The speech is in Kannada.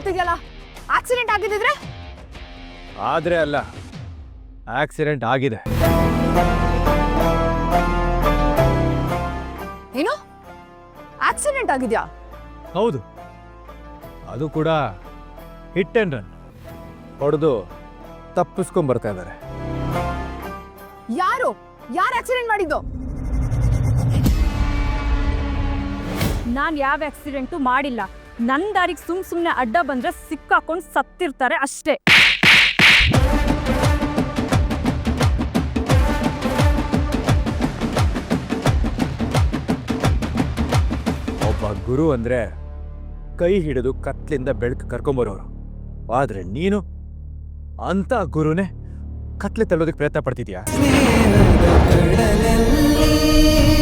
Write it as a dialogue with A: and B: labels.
A: ಮಾಡ್ತಿದ್ಯಲ್ಲ, ಆಕ್ಸಿಡೆಂಟ್ ಆಗಿದ್ದಿದ್ರೆ?
B: ಆದ್ರೆ ಅಲ್ಲ, ಆಕ್ಸಿಡೆಂಟ್ ಆಗಿದೆ.
A: ಏನು ಆಕ್ಸಿಡೆಂಟ್ ಆಗಿದ್ಯಾ?
B: ಹೌದು, ಅದು ಕೂಡ ಹಿಟ್ ಅಂಡ್ ರನ್. ಹೊಡೆದು ತಪ್ಪಿಸ್ಕೊಂಡ್ ಬರ್ತಾ ಇದ್ದಾರೆ.
A: ಯಾರು ಆಕ್ಸಿಡೆಂಟ್ ಮಾಡಿದ್ದು?
C: ನಾನ್ ಯಾವ ಆಕ್ಸಿಡೆಂಟು ಮಾಡಿಲ್ಲ. ನನ್ನ ದಾರಿಗೆ ಸುಮ್ನೆ ಅಡ್ಡ ಬಂದ್ರೆ ಸಿಕ್ಕಾಕೊಂಡು ಸತ್ತಿರ್ತಾರೆ ಅಷ್ಟೇ.
B: ಒಬ್ಬ ಗುರು ಅಂದ್ರೆ ಕೈ ಹಿಡಿದು ಕತ್ಲಿಂದ ಬೆಳಕು ಕರ್ಕೊಂಬರೋರು. ಆದ್ರೆ ನೀನು ಅಂತ ಗುರುನೇ ಕತ್ಲೆ ತಳ್ಳೋದಕ್ಕೆ ಪ್ರಯತ್ನ ಪಡ್ತಿದ್ಯಾ?